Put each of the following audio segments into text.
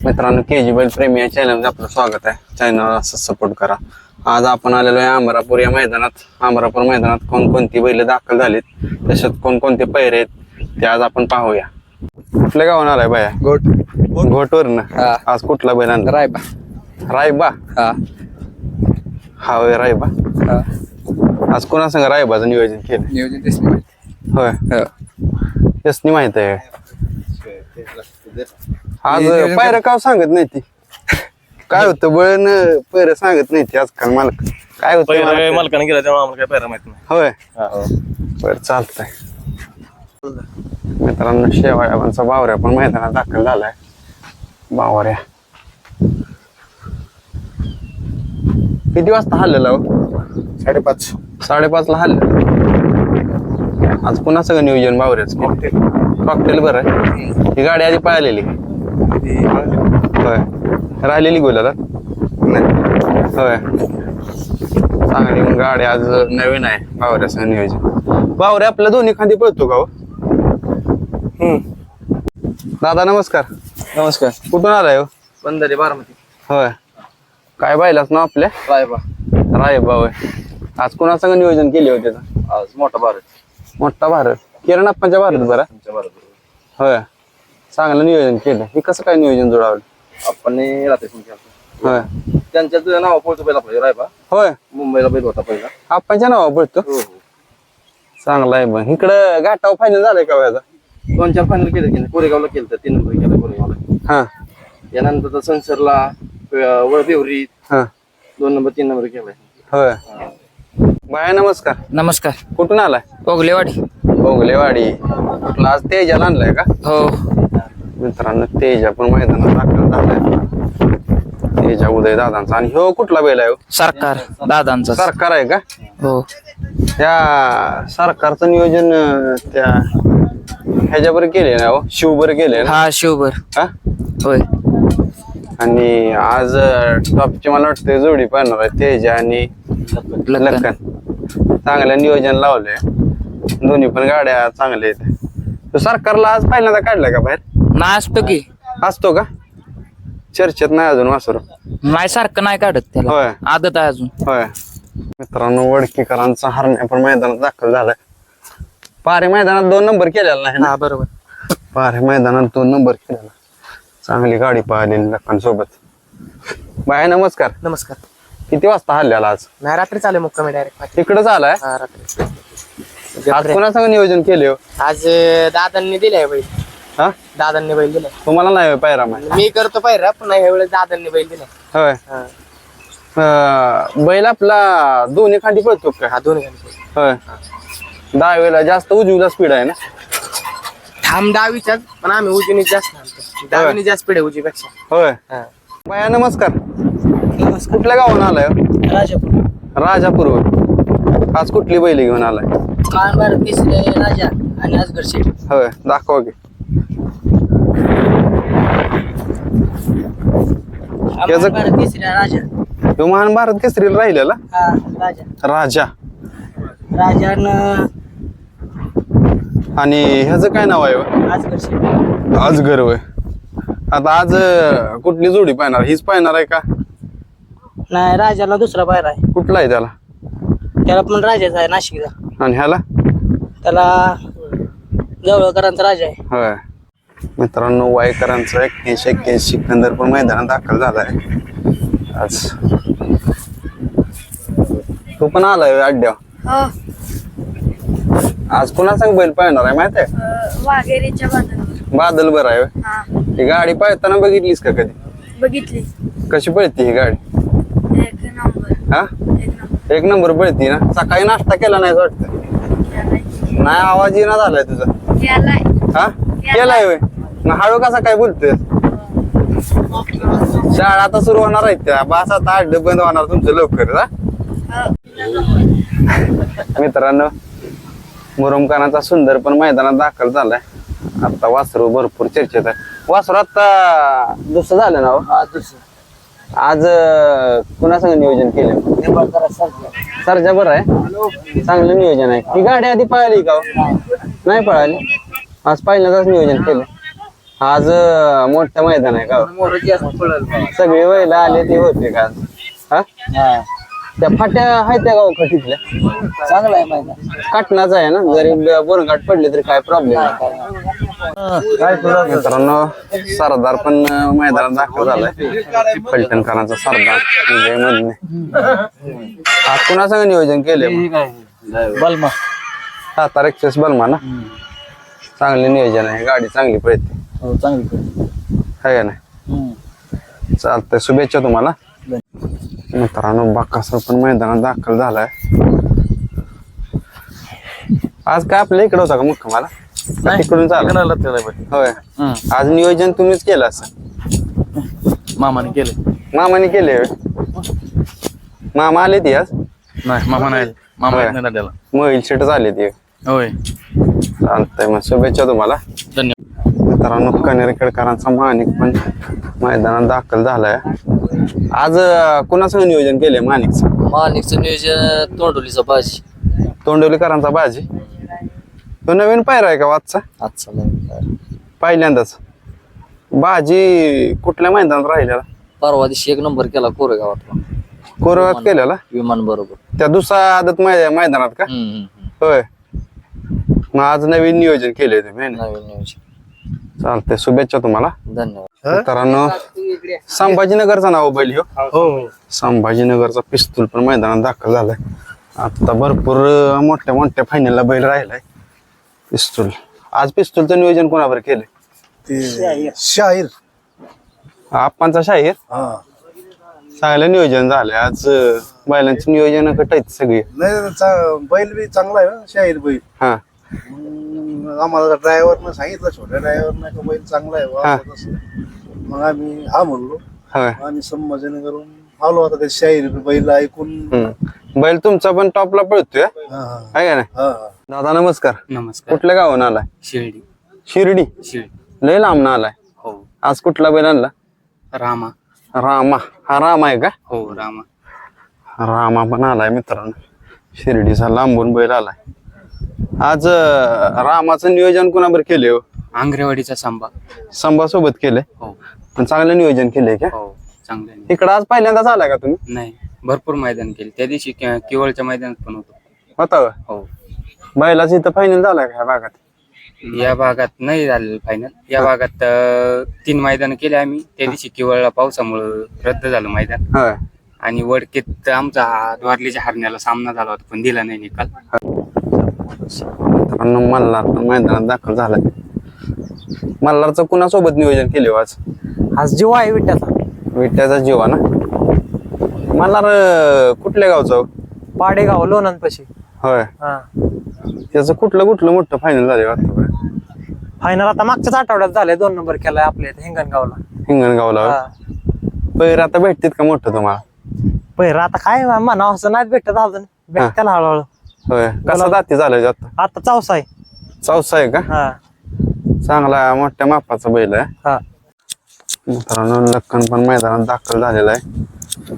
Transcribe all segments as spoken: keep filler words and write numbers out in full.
मित्रांनो, के जी बैल प्रेमी या चॅनलमध्ये आपलं स्वागत आहे. चॅनल असं सपोर्ट करा. आज आपण आलेलो आहे अमरापूर या मैदानात. अमरापूर मैदानात कोणकोणती बैल दाखल झालीत, तसेच कोणकोणते पैरे आहेत ते आज आपण पाहूया. कुठल्या गावान आलाय बाया? गोट घोटवरनं. आज कुठला बैल आणला? रायबा. रायबा. हा हा होय, रायबा. हा आज कोणा संग रायबाचं नियोजन केलं? नियोजन तेच नाही माहिती. होय, हो. तेच नाही माहित आहे. आज नियोजन पायरं का सांगत नाही ती? काय होतं बळन पैर सांगत नाही ती आजकाल. मालक काय होतं मालकाने गेला तेव्हा आम्हाला काय पैरा माहित नाही. होय. बर, चालतंय. मित्रांनो, शेवाळ्याचा बावऱ्या पण मैदानात दाखल झालाय. बावऱ्या किती वाजता हल्लेला? साडेपाच साडेपाच ला हल्लेला. आज पुन्हा सगळं नियोजन बावऱ्याच. कॉकटेल बरं आहे. ही गाडी आधी पळालेली होय, राहिलेली गोल्याला होय. चांगली मग गाडी आज नवीन आहे बावऱ्याचं नियोजन. बावऱ्या आपल्या दोन्ही खांदी पळतो का? हम्म. दादा नमस्कार. नमस्कार. कुठून आलाय हो? बंदरे बारामती. होय. काय बायलाच ना आपल्या? रायबा. रायबा होय. आज कोणासंग नियोजन केले होते? आज मोठा भारत. मोठा भारत. किरण अप्पांच्या भारत बरं. भारत होय, चांगलं नियोजन केलं. हे कसं काय नियोजन जुळवलं? आपण राहते होय. त्यांच्याच नाव पळतो पहिला पाहिजे रायबा. होय, मुंबईला बैल होता पहिला. अप्पांच्या नावा पडतो. हो हो. चांगला आहे. मग इकडं घाटाव फायनल झालाय का व्याजा? दोन चार फायनल केले की कोरेगावला केलं, तीन नंबर केला कोरेगावला. हा यानंतर संसरला वळबेवरी हा दोन नंबर तीन नंबर केलाय. होय. बाय नमस्कार. नमस्कार. कुठून आलाय? ओगलेवाडी. ओगलेवाडी. कुठला आज तेजाला आणलाय का? हो. मित्रांनो, तेजा पण मैदानात दाखल झालाय. तेजा उदय दादांचा. आणि ह्यो कुठला बैल आहे? सरकार दादांचा. सरकार आहे का? हो. त्या सरकारचं नियोजन अं, त्या ह्याच्यावर केले ना हो, शिवबर केले ना? हा शिवभर. हा. होय. आणि आज टॉपची मला वाटतं जोडी पाहणार आहे, तेजा आणि लक्कन. लक्कन. चांगलं नियोजन लावलंय. दोन्ही पण गाड्या चांगल्या आहेत. तो सरकारला आज पहिल्यांदा काढलाय का बाहेर? नाही असतो की. असतो का? चर्चेत नाही अजून वासरू? नाही सारखं नाही काढत त्याला. होय. आदत आहे अजून. होय. मित्रांनो, वडकीकरांचा हरण्या पण मैदानात दाखल झालाय. पारे मैदानात दोन नंबर केलेला नाही ना? हा बरोबर. पारे मैदानात दोन नंबर केलेला. चांगली गाडी पाहिलेली लक्कन सोबत. बाय नमस्कार. नमस्कार. किती वाजता हल्ल्याला आज? नाही रात्री चालेल मुक्कामी डायरेक्ट. इकडंच आलाय. हा रात्री. आज कोणासंग नियोजन केले हो? आज दादांनी दिलाय बैल. हा, दादांनी बैल दिलाय. तुम्हाला नाही पायरा माहिती? मी करतो पाहिजे पण ह्या वेळेस दादांनी बैल दिलाय. होय. अं, बैल आपला दोन्ही खांदी पळतो का? हा दोन्ही गाडी. होय. दहावीला जास्त उजवीला स्पीड आहे ना? ठाम दहावीच्याच पण आम्ही उजवीने जास्त आणतो. दहावीने जास्त पिढे उजवीपेक्षा. होय. हा. बाया नमस्कार. कुठल्या गावाला आलाय हो? राजापूर. राजापूर. आज कुठली बैल घेऊन आलाय? कान भारत केसरी राजा आणि आजगर शेठ. होय, दाखवा की. याचं- भारत केसरी राजा. तो महान भारत केसरीला राहिलेला हा राजा. राजा. राजानं आणि ह्याचं काय नाव आहे हो? आजगर शेठ. अजगर होय. आता आज अं, कुठली जोडी पाहणार? हीच पाहणार आहे का? नाही राजाला दुसरा बाहेर आहे. कुठला आहे त्याला? त्याला पण राजाचा आहे नाशिकचा. आणि ह्याला? त्याला जवळकरांचा राजा आहे. होय. मित्रांनो, वायकरांचा एक्क्याऐंशी एक्क्याऐंशी सिकंदर पण मैदानात दाखल झालाय आज. तू पण आलाय अड्ड्यावर. आज पुन्हा सांग बैल पाहणार आहे माहिती आहे? वाघेरीच्या बाजारावर. बादल बरं आहे होय. हा ही गाडी पाहताना बघितलीस का कधी? बघितली. कशी पळती ही गाडी? एक नंबर. हा, एक नंबर. एक नंबर पळती ना. सकाळी नाश्ता केला नाही वाटतं? केलाय. नाही, आवाज येईना झालाय तुझा. केलाय. हा, केलाय होय. मग हळू कसा काय बोलतोय? शाळा आता सुरू होणार आहेत त्या. बस आता अड्ड बंद होणार तुमचं लवकर. हा, मित्रांनो, मुरुमखानाचा सुंदर पण मैदानात दाखल झालाय. आता वासरू भरपूर चर्चेत आहे. वासरू आता दुसरं झालं ना हो? हा दुसरा. आज कुणासंग नियोजन केलं? सरजा बरं आहे. चांगलं नियोजन आहे. ही गाडी आधी पळाली का हो? नाही पळाली. आज पहिल्यांदाच नियोजन केलं. आज अं, मोठं मैदान आहे का मोरं जास्त पळेल बा. सगळे वयला आले ते होते का आज? हा त्या फाट्या आहेत त्या गाव तिथल्या चांगलं आहे मैदान. काटणाच आहे ना जरी बोरघाट पडले तरी काय प्रॉब्लेम नाही मित्रांनो सरदार पण अं, मैदानात दाखल झालाय फलटणकरांचा सरदार विजय मधने आज कुणासंग नियोजन केले बलमा सातारा एक्सेस बलमा ना चांगले नियोजन आहे गाडी चांगली पळते हो चांगली आहे का नाही चालतंय शुभेच्छा तुम्हाला मित्रांनो बाकासर पण मैदानात दाखल झालाय आज काय आपल्या इकडे होता का मुक्कामाला का तिकडून चालू होय आज नियोजन तुम्हीच केलं असं मामाने केले मामाने केले होय? मामा आले ती आज नाही मामा नाही मामा होय. येत नाही दाद्याला. मोबाईल सेटच आले ती होय चालतंय मग शुभेच्छा तुम्हाला धन्यवाद. मित्रांनो कनेरखेडकरांचा माणिक पण मैदानात दाखल झालाय आज अं, कुणासंग नियोजन केलंय माणिकचं मालिकचं नियोजन तोंडोलीचा बाजी तोंडवलीकरांचा बाजी तो नवीन पायरा आहे का वाजचा आजचा नवीन. पहिल्यांदाच बाजी कुठल्या मैदानात राहिलेला परवा दिवशी एक नंबर केला कोरेगावातला कोरवात केलेला विमान बरोबर. त्या दुसरा आदत मै- मैदानात का होय मग आज नवीन नियोजन केले तुम्ही है ना? नवीन नियोजन. चालतंय शुभेच्छा तुम्हाला धन्यवाद. मित्रांनो संभाजीनगरचा नाव बैल ह्यो संभाजीनगरचा पिस्तूल पण मैदानात दाखल झालाय आता भरपूर अं, मोठ्या मोठ्या फायनलला बैल राहिलाय पिस्तूल आज पिस्तूलचं नियोजन कोणावर केलंय ते शाहीर आप्पांचा शाहीर हा चांगलं नियोजन झालंय आज अं, बैलांची नियोजन कट आहेत सगळी नाही चा- बैल बी चांगला आहे ना, शाहीर बैल हा मग आम्हाला ड्रायव्हरनं सांगितलं छोट्या ड्रायव्हरनं का बैल चांगला आहे बा, हा. असं तसं. मग आम्ही हा म्हणलो होय आम्ही संभाजन करून आलो आता ते शाहीर बैल ऐकून हम्म. बैल तुमचा पण टॉपला पळतोय हा हा आहे का नाही हा हा. दादा नमस्कार नमस्कार कुठल्या गावून आलाय शिर्डी शिर्डी शिर्डी लय लांब आलाय हो आज कुठला बैल आणला रामा रामा हा राम आहे का हो रामा रामा पण आलाय मित्रांनो शिर्डीचा लांबून बैल आलाय आज अं, रामाचं नियोजन कोणाबर केले हो आंग्रेवाडीचा सांबा संभा सोबत केलंय हो पण चांगलं नियोजन केलंय का हो चांगलं आहे. इकडं आज पहिल्यांदाच आलाय का तुम्ही नाही भरपूर मैदान केले त्या दिवशी के- केवळच्या मैदानात पण होतो होता होय? हो बैलाच इथं फायनल झालाय का ह्या भागात या भागात नाही झालेलं फायनल या भागात अं, तीन मैदान केले आम्ही त्या दिवशी केवळला पावसामुळं रद्द झालं मैदान होय आणि वडकेत आमचा द्वारलीच्या हरण्याला सामना झाला होता पण दिला नाही निकाल मित्रांनो मल्हार पण मैदानात दाखल झालाय मल्हारचं कुणासोबत नियोजन केले आज आज जीव आहे विट्याचा विट्याचा जीवा ना मल्हार अं, कुठल्या गावचा हो? पाडेगाव लोणंदपाशी. होय हा त्याचं कुठलं कुठलं मोठं फायनल झाले आतापर्यंत फायनल आता मागच्याच आठवड्यात झालंय दोन नंबर केलाय आपल्या इथे हिंगणगावला. हिंगणगावला होय? हा पैर आता भेटतील का मोठं तुम्हाला पहिला आता काय म्हणा असं नाही भेटत अजून भेटत्याला हळूहळू. होय कसा दाती झालाय आता आता चौसा आहे. चौसा आहे का हा चांगला मोठ्या मापाचा बैल आहे हा मित्रांनो लक्कन पण मैदानात दाखल झालेला आहे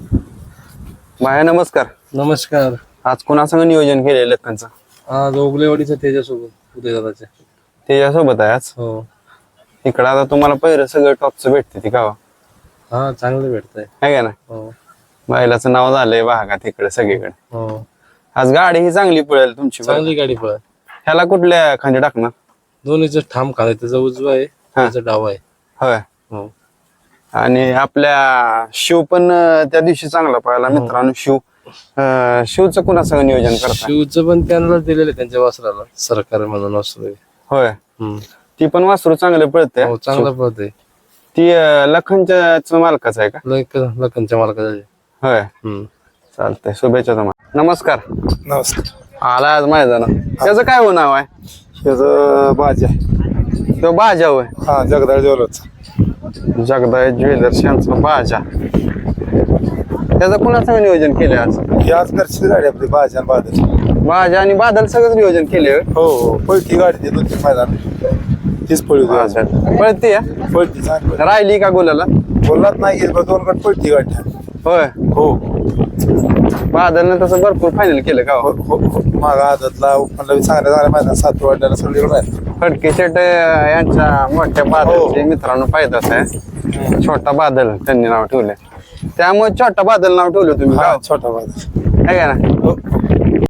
बाया नमस्कार नमस्कार आज कोणासंग नियोजन केलंय लक्कनचं आज ओगलेवाडीचा त्याच्यासोबत उद्या दादाच्या त्याच्यासोबत आहे आज हो इकडं आता तुम्हाला पहिलं सगळं टॉपचं भेटते ती गावा हा चांगलं भेटतंय आहे का ना हो बैलाचं नाव झालंय भागात इकडे सगळीकडे हो आज गाडी ही चांगली पळेल तुमची बरं. चांगली गाडी पळत ह्याला कुठल्या खांदी टाकणार दोन्हीचं ठाम खाली त्याचा उजवा आहे त्याचा डावा आहे होय हो आणि आपल्या शिव पण अं, त्या दिवशी चांगला पळाला मित्रांनो शिव अं, शिवचं कुणासंग नियोजन करता शिवचं पण त्यांना दिलेलं आहे त्यांच्या वासराला सरकार म्हणून वासरू आहे. होय हम्म. ती पण वासरू चांगले पळते हो चांगला पळत ती अं, लखनच्या मालकाच आहे का आहे लखनच्या मालकाचा आहे. होय हम्म. चालतंय शुभेच्छा तुम्हाला नमस्कार नमस्कार आला आज मैदानात त्याचं काय हो नाव आहे त्याचं बाजा तो बाजा होय हा जगदाळ ज्वेलर्स जगदाय ज्वेलर्स यांचा बाजा त्याचं कुणाचं नियोजन केलं आज ही आज घरची गाडी आपली बाजा आणि बादल बाजा आणि बादल सगळंच नियोजन केले हो हो पळती गाडी ते दोन तीन मैदान तीच पळी होती पळते पळती चांगली राहिली का गोलाला बोललात नाही गेली पण दोन गट पळती गाडी होय हो बादलनं तसं भरपूर फायनल केलं का हो? हो हो मागा आदतला ओपनला चांगल्या चांगल्या मैदान सात वाढल्याला सगळीकडे आहे. फडके शेट यांच्या मोठ्या बादलचे मित्रांनो फायदाच आहे. छोटा बादल त्यांनी नाव ठेवलंय, त्यामुळे छोटा बादल नाव ठेवलं तुम्ही हा, गाव छोटा बादल आहे का ना? हो